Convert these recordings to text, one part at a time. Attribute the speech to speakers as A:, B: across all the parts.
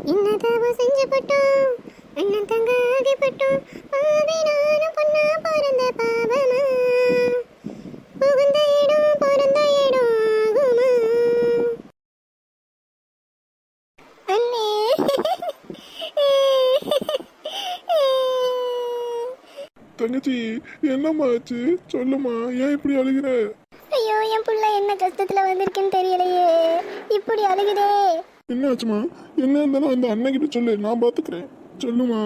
A: என்ன தவ செஞ்சு பட்டோம் அண்ணன் தங்க ஆகிப்பட்டோம் பாவி நானும் பொண்ணா பிறந்த பாவமா புகுந்த இடம் பிறந்த இடம் ஆகுமா அண்ணே
B: தங்கச்சி என்னம்மா ஆச்சு சொல்லுமா, ஏன் இப்படி அழுகிற?
A: ஐயோ என் புள்ள என்ன கஷ்டத்துல வந்திருக்குன்னு தெரியலையே, இப்படி அழுகுதே.
B: என்ன ஆச்சுமா? என்ன இருந்தாலும் அந்த அண்ணன் கிட்ட சொல்லு, நான் பாத்துக்கிறேன். சொல்லுமா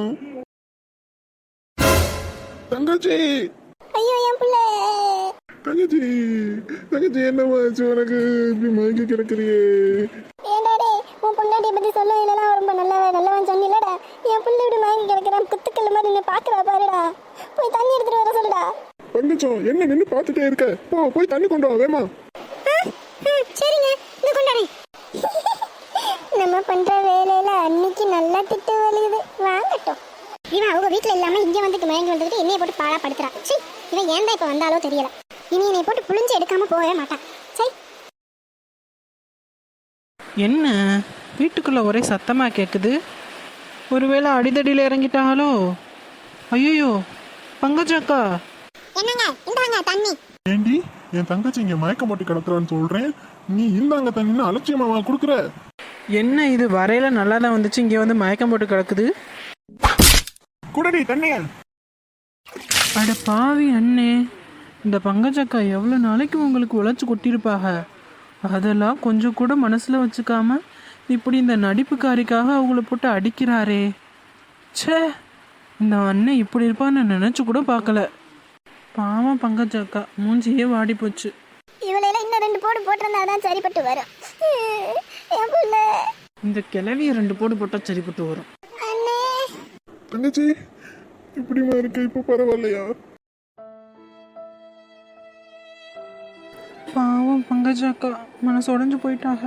B: தங்கச்சி.
A: ஐயோ என் புள்ள.
B: தங்கச்சி தங்கச்சி என்னம்மா ஆச்சு உனக்கு? இப்படி மயங்கி கிடக்குறியே.
A: ஏண்டாடே உன் பொண்டாட்டியை பத்தி சொல்ல இல்லைனா ரொம்ப நல்லவன் சொன்னில்லடா. என் புள்ள இப்படி மயங்கி கிடக்குறான், குத்துக்கல்ல மாதிரி நின்று பாக்குறா பாருடா. போய் தண்ணி எடுத்துட்டு வர சொல்லுடா.
B: தங்கச்சம் என்ன நின்று பார்த்துட்டே இருக்க? போய் தண்ணி கொண்டு வா வேமா.
A: சரிங்க, இந்த கொண்டாடி. நம்ம பண்ற வேலையில அன்னைக்கு நல்லா திட்டு வலியுது, வாங்கட்டும். இவன் அவங்க வீட்டுல இல்லாம இங்க வந்துட்டு மயங்கி வந்துட்டு என்னைய போட்டு பாடா படுத்துறான். சரி, இவன் ஏன் தான் இப்ப வந்தாலோ தெரியல. இனி என்னை போட்டு புளிஞ்சு எடுக்காம போகவே மாட்டான். சரி,
C: என்ன வீட்டுக்குள்ள ஒரே சத்தமா கேட்குது? ஒருவேளை அடிதடியில் இறங்கிட்டாங்களோ? ஐயோ பங்கஜாக்கா.
A: என்னங்க இந்தாங்க தண்ணி.
B: ஏண்டி என் தங்கச்சி இங்க மயக்கம் போட்டு கிடக்குறான்னு சொல்றேன், நீ இந்தாங்க தண்ணின்னு அலட்சியமாவா கொடுக்குற?
C: என்ன இது வரையில நல்லா தான் வந்துச்சு, இங்கே வந்து மயக்கம் போட்டு கிடக்குது.
B: குடடி தண்ணிய.
C: அட பாவி அண்ணே, இந்த பங்கஜக்கா எவ்வளோ நாளைக்கு உங்களுக்கு உழைச்சி கொட்டியிருப்பாக. அதெல்லாம் கொஞ்சம் கூட மனசில் வச்சுக்காம இப்படி இந்த நடிப்புக்காரிக்காக அவங்கள போட்டு அடிக்கிறாரே. ச்சே, இந்த அண்ணன் இப்படி இருப்பான்னு நினச்சி கூட பார்க்கல. பாவம் பங்கஜக்கா, மூஞ்சியே வாடி போச்சு.
A: இவளையெல்லாம் இன்னும் 2 போடு போட்டிருந்தா தான் சரிப்பட்டு வரும். என் புள்ள.
C: இந்த கிளவிய 2 போடு போட்டால் சரிப்பட்டு வரும்.
A: அண்ணே
B: தங்கச்சி இப்படிமா இருக்க, இப்ப பரவாயில்லையா?
C: பாவம் பங்கஜாக்கா மனசு உடஞ்சு போயிட்டாங்க.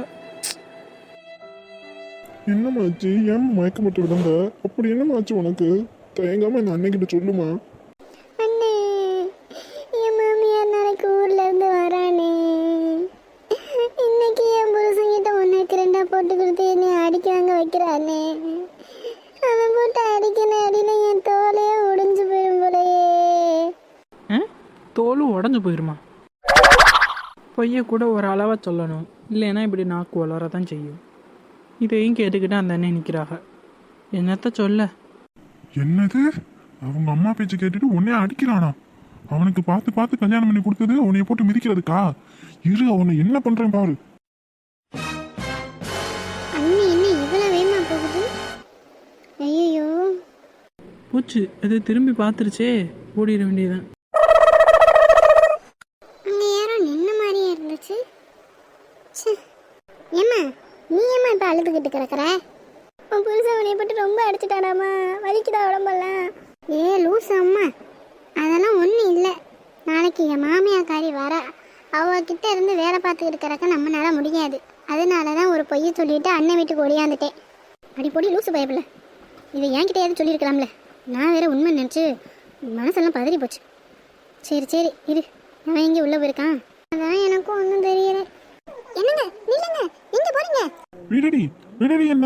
B: என்னமாச்சு? ஏன் மயக்கம் போட்டு விடுங்க? அப்படி என்னமாச்சு உனக்கு? தயங்காம இந்த அன்னைக்கிட்ட சொல்லுமா.
A: அண்ணே, என் மாமியார் நாளைக்கு ஊர்ல இருந்து வரானே. இன்னைக்கு என் புருஷங்கிட்ட 1-2 போட்டு கொடுத்து என்னை அடிக்காங்க வைக்கிறானே. அவன் போட்டு அடிக்கிற அடியில என் தோலே உடைஞ்சு போயிடும் போலயே.
C: தோலும் உடஞ்சு போயிருமா? பொய்ய கூட ஒரு அளவாக சொல்லணும், இல்லைன்னா இப்படி நாக்கு வளரதான் செய்யும். இதையும் கேட்டுக்கிட்டு அந்த அண்ணன் நிற்கிறாங்க. என்னத்த சொல்ல?
B: என்னது? அவங்க அம்மா பேச்சு கேட்டுட்டு உன்னைய அடிக்கிறானா? அவனுக்கு பார்த்து பார்த்து கல்யாணம் பண்ணி கொடுத்தது உன்னைய போட்டு மிதிக்கிறதுக்கா? இரு, அவனை என்ன பண்றேன் பாரு.
A: அண்ணி என்ன இவ்வளவு வேகமா போகுது? ஐயோ,
C: பூச்சு அது திரும்பி பார்த்துருச்சே, ஓடிட வேண்டியதுதான்.
A: அங்க யாரோ நின்ன மாதிரியே இருந்துச்சு. ஏம்மா நீ ஏம்மா இப்ப அழுதுகிட்டு கிடக்குற? உன் புருஷன் உன்னை போட்டு ரொம்ப அடிச்சுட்டாடாமா, வலிக்குதா உடம்பெல்லாம்? ஏ லூஸ் அம்மா, அதெல்லாம் ஒன்றும் இல்லை. நாளைக்கு என் மாமியாக்காரி வர, அவகிட்ட இருந்து வேலை பார்த்துக்கிட்டு கிடக்க நம்மளால முடியாது. அதனால தான் ஒரு பொய்யை சொல்லிட்டு அண்ணன் வீட்டுக்கு ஓடியாந்துட்டேன். அடி பொடி லூசு பயப்பில்ல, இதை என்கிட்டயாவது சொல்லியிருக்கலாம்ல. நான் வேற உண்மை நினச்சி மனசெல்லாம் பதறி போச்சு. சரி சரி இரு, அவன் எங்கே உள்ளே போயிருக்கான்? அதான் எனக்கும் ஒன்றும் தெரியல. என்னங்க நில்லுங்க, எங்க போறீங்க?
B: விடடி விடடி. என்ன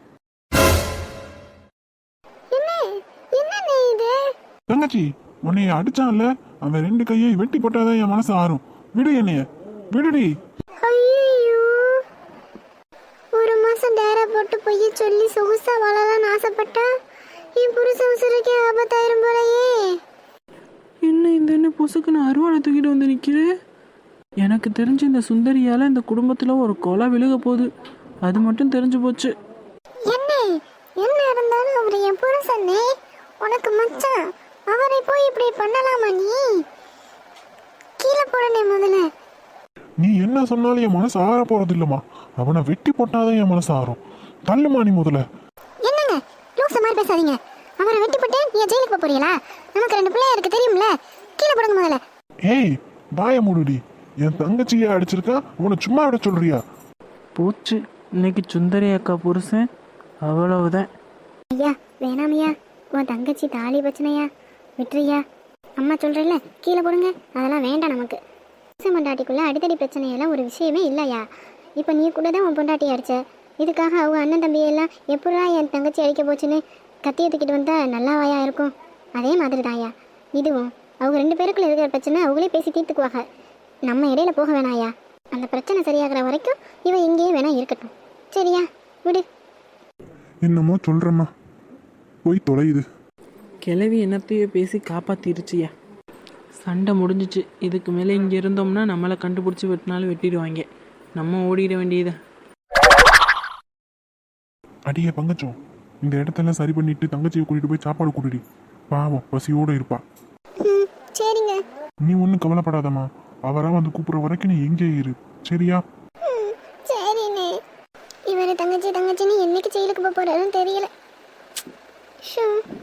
A: என்ன இது?
B: தங்கச்சி உன்னைய அடிச்சான்ல, அவன் 2 கையை வெட்டி போட்டாதான் என் மனசு ஆறும். விடு என்னைய, விடுடி.
A: ஐயோ, ஒரு மாசம் டேரா போட்டு பொய்ய சொல்லி சொகுசா வாழலாம்னு ஆசைப்பட்டா என் புருஷன் உசுருக்கே ஆபத்தாயிரும் போலயே.
C: என்ன இந்த என்ன பொசுக்குன்னு அருவாளை தூக்கிட்டு வந்து நிற்கிறேன். எனக்கு தெரிஞ்சு இந்த சுந்தரியால் இந்த குடும்பத்தில் ஒரு கொலை விழுக போகுது, அது மட்டும் தெரிஞ்சு போச்சு.
A: என்ன இருந்தாலும் அவர் என் புருஷனே, உனக்கு மச்சான். அவரை போய் இப்படி பண்ணலாமா? நீ கீழே போடனே முதல்ல.
B: நீ என்ன சொன்னாலும் என் மனசு ஆற போறது இல்லம்மா. அவனை வெட்டி போட்டாதான் என் மனசு ஆறும். தள்ளுமா நீ முதல்ல.
A: என்னங்க லூச மாதிரி பேசாதீங்க. அவரை வெட்டி போட்டு நீ ஜெயிலுக்கு போறீங்களா? நமக்கு 2 பிள்ளையா இருக்கு தெரியும்ல. கீழே போடுங்க முதல்ல.
B: ஏய் வாய மூடுடி. என் தங்கச்சியை அடிச்சிருக்கா, உன்னை சும்மா விட சொல்றியா?
C: போச்சு, இன்னைக்கு சுந்தரி அக்கா புருஷன் அவ்வளவுதான்.
A: ஐயா வேணாமையா, உன் தங்கச்சி தாலி பிரச்சனையா, விட்டுறியா? அம்மா சொல்றேன்ல, கீழே போடுங்க. அதெல்லாம் வேண்டாம் நமக்கு. பொண்டாட்டிக்குள்ள அடித்தடி பிரச்சனையெல்லாம் ஒரு விஷயமே இல்லையா? இப்போ நீ கூட தான் உன் பொண்டாட்டி அடிச்ச, இதுக்காக அவங்க அண்ணன் தம்பியெல்லாம் எப்படா என் தங்கச்சி அடிக்க போச்சுன்னு கத்தியை தூக்கிட்டு வந்தா நல்லாவாயா இருக்கும்? அதே மாதிரி தாயா இதுவும். அவங்க 2 பேருக்குள்ள இருக்கிற பிரச்சனை அவங்களே பேசி தீர்த்துக்குவாங்க. நம்ம இடையில போக வேணாயா. அந்த பிரச்சனை சரியாகிற வரைக்கும் இவன் இங்கேயே வேணா இருக்கட்டும். சரியா, விடு.
B: என்னமோ சொல்கிறம்மா, போய் தொலையுது.
C: கிளவி என்னத்தையோ பேசி காப்பாத்திருச்சியா. சண்டை முடிஞ்சிச்சு. இதுக்கு மேலே இங்கே இருந்தோம்னா நம்மளை கண்டுபிடிச்சி வெட்டினாலும் வெட்டிடுவாங்க. நம்ம ஓடிட வேண்டியது.
B: அடியே பங்கச்சம், இந்த இடத்தெல்லாம் சரி பண்ணிட்டு தங்கச்சியை கூட்டிட்டு போய் சாப்பாடு கூட்டிடு. பாவம் பசியோட இருப்பா.
A: ம், சரிங்க.
B: நீ ஒன்றும் கவலைப்படாதம்மா, அவரா வந்து கூப்பிட்ற வரைக்கும் நீ எங்கே இரு, சரியா?
A: ம், சரிண்ணே. இவர் தங்கச்சின்னு என்னைக்கு ஜெயிலுக்கு போக போறாருன்னு தெரியல. ஷோ